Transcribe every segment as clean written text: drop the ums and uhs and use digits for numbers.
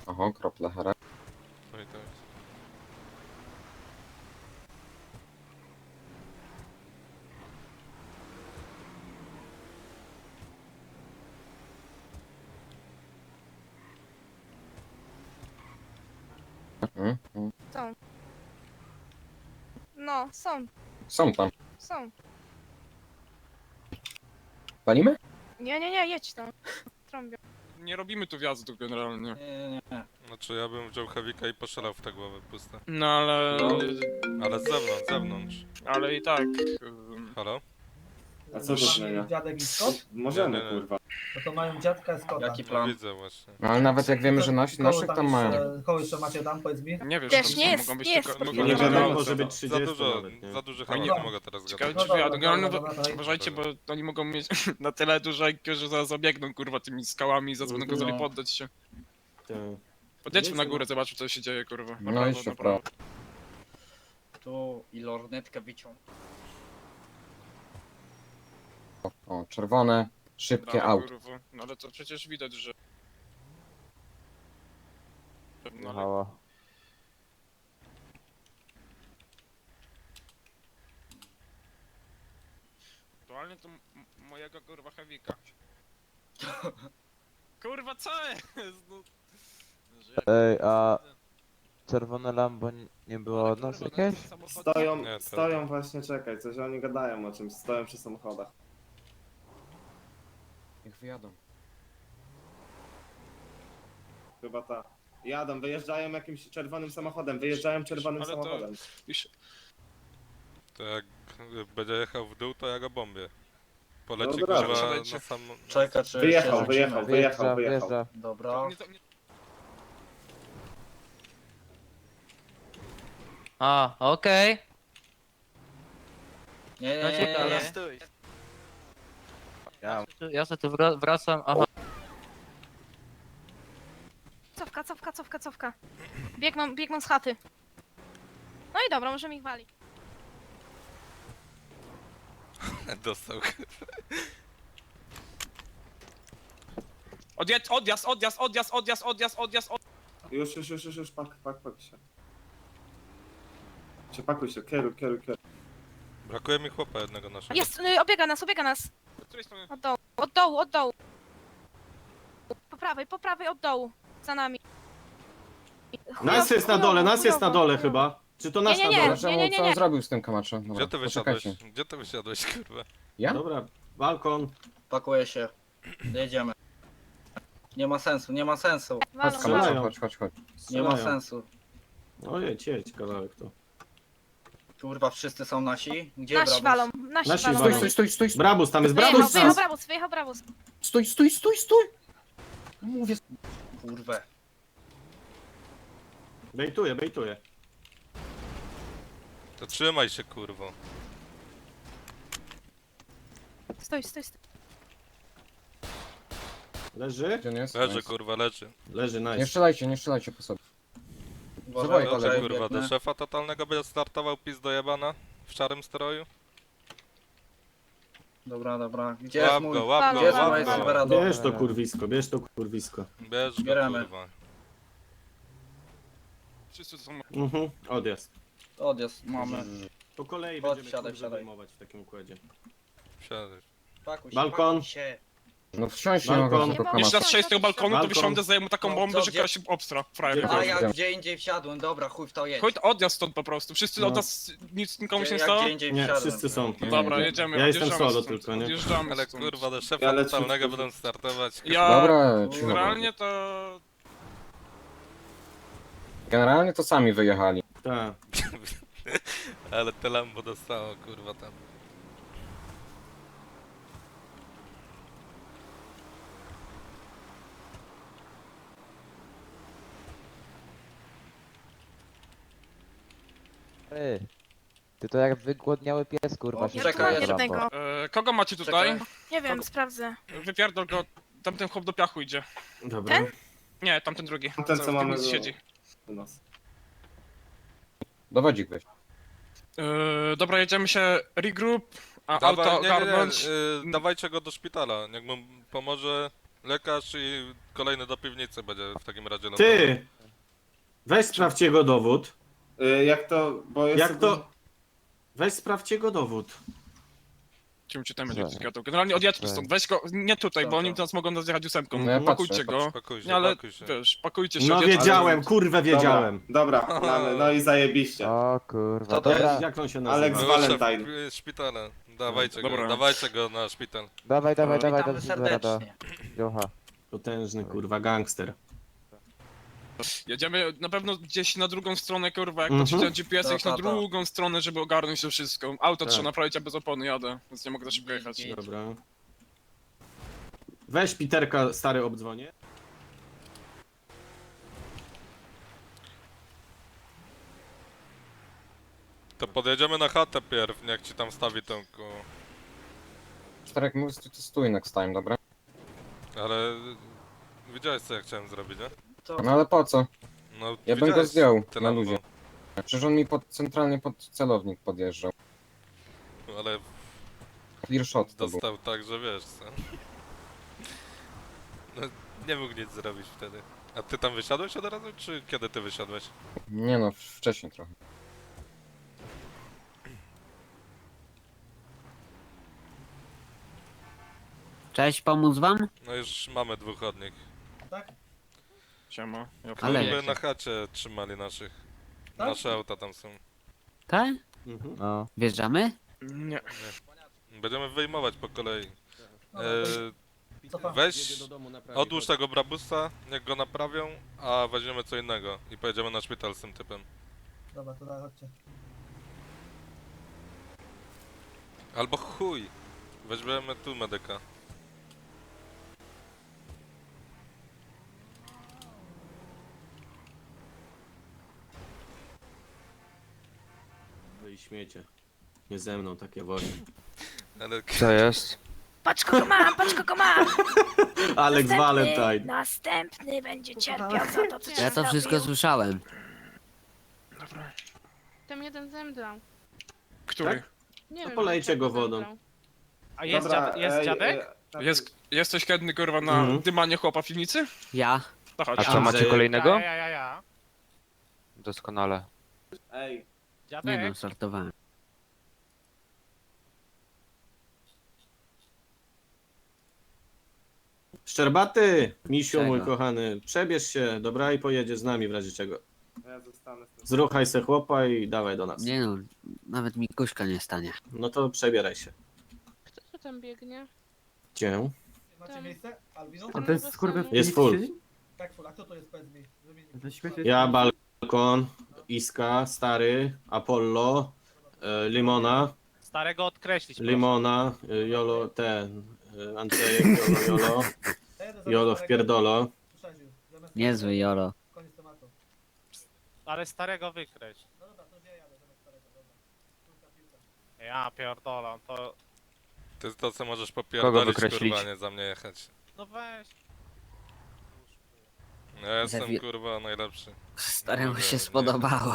Oho, krople hera. No i to jest. Są. No, są, Są tam. są. Palimy? Nie, jedź tam. Trąbią. Nie robimy tu wjazdu generalnie. Nie. Znaczy ja bym wziął Heavika i poszalał w te głowy puste. No ale... Ale z zewnątrz, z zewnątrz. Ale i tak... Halo? A co to zmienia? Dziadek i Scott? Możemy, Nie, nie, nie. kurwa. No to mają dziadka i Scotta. Jaki No plan? widzę właśnie. No ale nawet jak wiemy, że naszych tam mają. Koło jeszcze macie tam, powiedz mi? Nie wiesz, Wiesz, tam nie jest- mogą być nie jest tylko... pod- no, Nie nie wiadomo, ma może co. być Za 30 dużo, nawet, nie? za duży Fajnie. hałas, nie mogę teraz Ciekawe gadać. czy wyjadą. Generalnie dobra. uważajcie, bo oni mogą mieć na tyle duże IQ, że zaraz zabiegną kurwa tymi skałami i zadzwonią go No. poddać się. Tak. Podjedźmy na górę, zobaczmy co się dzieje kurwa. No Naprawdę, jeszcze w naprawdę. Tu i lornetkę wyciąg. O, czerwone, szybkie Dobra, auto. kurwa. No ale to przecież widać, że... No, ale... Halo. Aktualnie to mojego kurwa Heavika. Kurwa co jest? No... Ej, a czerwone Lambo nie było Ale od nas kurwa, jakieś? ten samochód- Stoją, Nie, to- stoją właśnie, czekaj, coś oni gadają o czymś, stoją przy samochodach. Niech wyjadą. Chyba ta. Jadą, wyjeżdżają jakimś czerwonym samochodem, wyjeżdżają czerwonym Ale to- samochodem. Iż- To jak będzie jechał w dół, to ja go bombię. Poleci Dobra, kurwa siadajcie. na sam... Czeka, czy Wyjechał, się wyjechał, rzucimy. wyjechał, wyjechał. Wjeżdża. Dobra. A, okej. Nie, No nie, nie, ciekawe. nie, stój. Ja sobie tu wracam, aha. Cofka. Biegną z chaty. No i dobra, możemy ich walić. Dostał. Odjazd! Już, pakuj się. Pakuj się, kieruj. Brakuje mi chłopa jednego naszego. Jest, obiega nas. Z której strony? Od dołu. Po prawej, od dołu. Za nami. Nas jest na dole, chyba. Czy to nasz Nie, na nie, dole? nie. Czemu, co on zrobił z tym Kamacho? Dobra, Gdzie ty wysiadłeś? poczekajcie. Gdzie ty wysiadłeś, kurwa? Ja? Dobra, balkon. Pakuję się. Jedziemy. Nie ma sensu. Chodź Walą. Strzelają. Kamacho, chodź. Nie ma Strzelają. sensu. O jedź kawałek to. Kurwa, wszyscy są nasi? Gdzie Nasi Brabus? walą, nasi Nasi walą. walą. Stój. Brabus, tam jest Wyjechał Brabus. Stój. Mówię. Kurwę. Bejtuje. To trzymaj się, kurwo. Stój. Leży? Gdzie on jest? Leży, Nice. kurwa, leży. Leży, Nie nice. strzelajcie po sobie. Uważaj, Dawaj, Dobrze, kolego, kurwa, biegnę. do szefa totalnego będzie startował pis dojebana w szarym stroju. Dobra. Gdzie Łap jest mój... go, łap Gdzie jest go, moje łap go. Silverado? Bierz to kurwisko. Bierz go, Bieremy. kurwa. Wszyscy to są... Odjazd. Odjazd mamy. Po kolei Chodź, będziemy siadaj, kurwa siadaj. wyjmować w takim układzie. Wsiadaj. Pakuj się, Balkon. pakuj się. No wsiąść nie Balkon. mogę tylko Jeszcze Jeszcze Kamacho. raz strzelić z tego balkonu, to Balkon. wysiądę, zajmę taką No, bombę, co, że gdzie- się obstra. Frajer. Gdzie- A ja Wiem. gdzie indziej wsiadłem, dobra, chuj w to jedź. Chodź, odjazd stąd po prostu. Wszyscy No. od nas, nic nikomu się nie Ja stało? gdzie indziej Nie, wsiadłem. wszyscy są. Dobra, jedziemy, Ja jestem odjeżdżamy solo stąd. tylko, nie? Odjeżdżamy Ale stąd. kurwa, do szefa Ja lecę totalnego w- będą startować. Ja... Dobra, cicho. Generalnie to... Generalnie to sami wyjechali. Tak. Ale te Lambo dostało, kurwa, tam. Ej. Ty to jak wygłodniały pies, kurwa, O, się czekaj, trzyma jeszcze Lambo. jednego. Kogo macie tutaj? Czekaj. Nie wiem, sprawdzę. Wypierdol go, tamten chłop do piachu idzie. Dobra. Ten? Nie, tamten drugi. Ten, co w tym mamy miejscu do- siedzi. U nas. Dowodzik weź. Dobra, jedziemy się regroup, a Dawaj, auto nie, ogarnąć. dawajcie go do szpitala. Jak mu pomoże Lekarz i kolejny do piwnicy będzie w takim razie. Ty! Weź sprawdź jego dowód. Jak to, bo jest... Jak to... Weź sprawdź jego dowód. Czym ci tam będzie zgadał? Generalnie odjedźmy stąd, weź go, nie tutaj, bo oni nas mogą nas jechać ósemką. No ja patrzę, Pakujcie go. Pakuj się, Nie, ale pakuj się. wiesz, pakujcie się. No odjedźmy. wiedziałem, kurwę wiedziałem. Dobra, mamy, no i zajebiście. O kurwa, To dobra. Jak on się Alex nazywa? Valentine. Szpitala. Dawajcie Dobra. go, dawajcie go na szpital. Dawaj, dawaj, Witamy dawaj, do serdecznie. Jocha. Potężny, kurwa, gangster. Jedziemy na pewno gdzieś na drugą stronę, kurwa, jak to Mhm. ci GPS, iść na drugą stronę, żeby ogarnąć to wszystko. Auto Tak. trzeba naprawić, a bez opony jadę, więc nie mogę za szybko jechać. Dobra. Weź Piterka, stary, obdzwonię. To podjedziemy na chatę pierw, niech ci tam stawi tą Czterek mówisz, to stój next time, dobra? Ale... Widziałeś co ja chciałem zrobić, nie? No ale po co? No, Ja bym go widziałeś zdjął te na lambo. luzie. Przecież on mi centralnie pod celownik podjeżdżał. Ale Clear shot to był. dostał tak, że wiesz co. No, nie mógł nic zrobić wtedy. A ty tam wysiadłeś od razu, czy kiedy ty wysiadłeś? Nie no, wcześniej trochę. Cześć, pomóc wam? No już mamy dwóch od nich. Siema. Ja Ale- Żeby na chacie trzymali naszych. Tak? Nasze auta tam są. Tak? Mhm. No. Wjeżdżamy? Nie. Będziemy wyjmować po kolei. No, E, weź, odłóż tego brabusa, niech go naprawią, a weźmiemy co innego i pojedziemy na szpital z tym typem. Dobra, to daj, chodźcie. Albo chuj, weźmiemy tu medyka. Wy śmiecie. Nie ze mną takie wojny. Ale Co jest? Patrz kogo mam, patrz kogo mam! Alex Valentine. Następny będzie cierpiał za to, co ci Ja to wszystko zrobił. słyszałem. Tam jeden zemdlał. Który? Nie To wiem, polejcie dlaczego go wodą. zemdlał. A Dobra, dziadek? Jesteś chętny, kurwa, na Mhm. dymanie chłopa w piwnicy? Ja. To chodź. A co, macie kolejnego? Ja. Doskonale. Ej, Nie no, sortowałem. Szczerbaty, misiu Czego? mój kochany, przebierz się, dobra, i pojedziesz z nami w razie czego. ja zostanę z tym. Zruchaj se chłopa i dawaj do nas. Nie no, nawet mi kuśka nie stanie. No to przebieraj się. Kto tu tam biegnie? Gdzie? Macie Tam. miejsce? Albino? A to jest skurwy... Jest full. Tak, full. A kto to jest, powiedz mi? Żeby nie- Ja, Balkon, Iska, Stary, Apollo, Limona, Starego odkreślić. Limona, Jolo, Andrzejek, Jolo, Ja jadę zamiast Jolo starego. wpierdolo. Przesadził. Zamiast Niezły starego. Jolo. Koniec tematu. Ale starego wykreś. No dobra, to już ja jadę zamiast starego, dobra. Piłka, piłka. Ja pierdolę, to... ty to co możesz popierdolić, wykreślić? kurwa, nie za mnie jechać. No weź. Ja jestem Zawi- kurwa najlepszy. Staremu Nie się wiem, spodobało.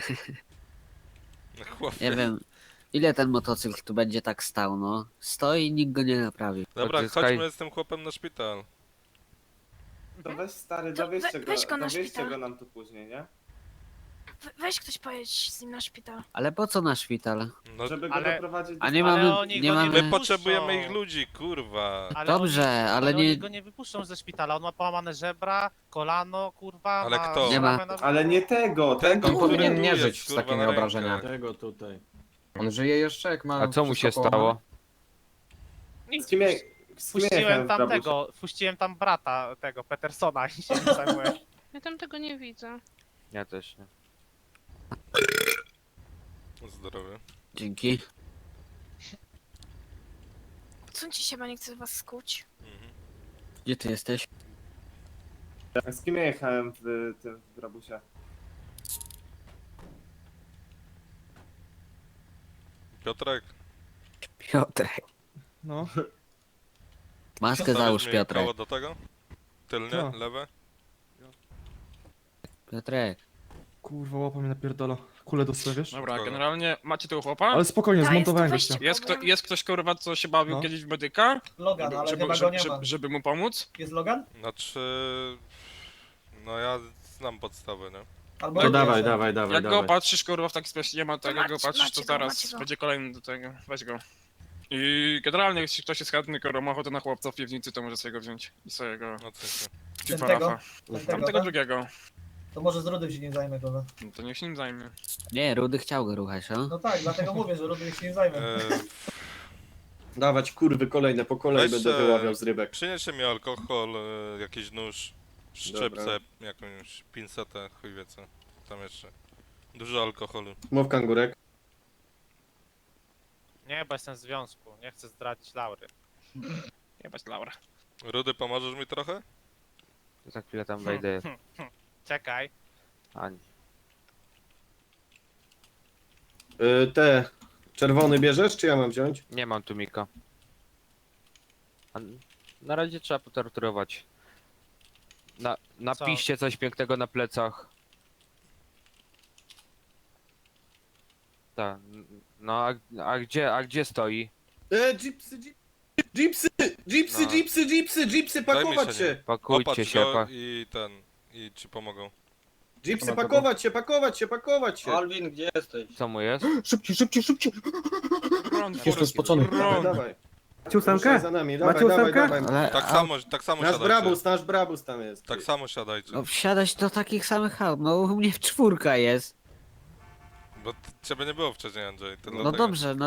Chłopie. Nie wiem, ile ten motocykl tu będzie tak stał, no. Stoi i nikt go nie naprawi. Dobra, Odzyskaj. chodźmy z tym chłopem na szpital. To weź stary, To dowieźcie go, weź go na dowieźcie szpital. go nam tu później, nie? Weź ktoś pojedź z nim na szpital. Ale po co na szpital? No, Żeby go ale- doprowadzić do... A nie Ale mamy, oni nie go nie my mamy... potrzebujemy ich ludzi, kurwa. Ale Dobrze, ale oni nie... go nie wypuszczą ze szpitala, on ma połamane żebra, kolano, kurwa, Ale ma kto? Nie ma. szramę na- Ale nie tego, tego, On powinien tu nie jest, żyć z kurwa, takimi na rękach. obrażeniami. Tego tutaj. On żyje jeszcze, jak ma... A co mu się wszystko połamane? stało? Z kim ja... Z kim ja jechałem Puściłem w tam Brabusie? tego, puściłem tam brata tego, Petersona i się nim zajmuje. Ja tam tego nie widzę. Ja też nie. Zdrowie. Dzięki. Odsuńcie się, bo nie chcę was skuć. Mhm. Gdzie ty jesteś? A z kim ja jechałem w tym w Brabusie? Piotrek, Piotrek. No. Maskę stawiasz załóż, mi Piotrek. koło do tego? Tylnie, Co? lewe? Piotrek. Kurwa, łapa mnie napierdala. kulę dostawiasz? Dobra, Kogo? generalnie macie tu chłopa? Ale spokojnie, Ta, zmontowałem jest to gościa. weźcie. Jest ktoś kurwa, co się bawił No. kiedyś w medyka? Logan, ale chyba go nie ma. Żeby mu pomóc? Jest Logan? Znaczy... No ja znam podstawę, nie? Albo To nie dawaj, jest. dawaj, dawaj, Jak go dawaj. patrzysz kurwa w taki sposób, nie ma tego, jak go macie, patrzysz, macie to go, zaraz macie go. będzie kolejny do tego. Weź go. I generalnie jeśli ktoś jest chętny, kurwa ma ochotę na chłopca w piwnicy, to może sobie go wziąć. I sobie go... No coś. Fifarafa. Tego, Tam tego tak? drugiego. To może z Rudym się nie zajmę, kurwa. No to niech się nim zajmie. Nie, Rudy chciał go ruchać, no. No tak, dlatego mówię, że Rudy się nie zajmę. Dawać kurwy kolejne po kolei Weź, będę wyławiał z rybek. Przyniesie mi alkohol, jakiś nóż, szczypce, jakąś pinsetę, chuj wie co. Tam jeszcze. Dużo alkoholu. Mów kangurek. Nie, bo jestem w związku. Nie chcę zdradzić Laury. Jebać Laura. Rudy, pomożesz mi trochę? Za chwilę tam wejdę. Czekaj. Ani. Te czerwony bierzesz, czy ja mam wziąć? Nie mam tu Mika. Na razie trzeba potorturować. Napiszcie coś pięknego na plecach. Tak. No a gdzie stoi? Jeepsy, pakować Zajmij się! Pakujcie Popatrz się. go i ci pomogą. Jeepsy, pakować się! Alvin, gdzie jesteś? Co mu jest? Ron, Jestem spocony. Dawaj, dawaj. Macie Ruszaj za nami, dawaj, Macie dawaj, ósemkę? dawaj. Ale, Tak samo Nasz siadajcie. brabus tam jest. Tak samo siadajcie. no, wsiadać do takich samych aut, no u mnie w czwórka jest. Bo ciebie nie było wcześniej, Andrzej. To No dlatego. dobrze, no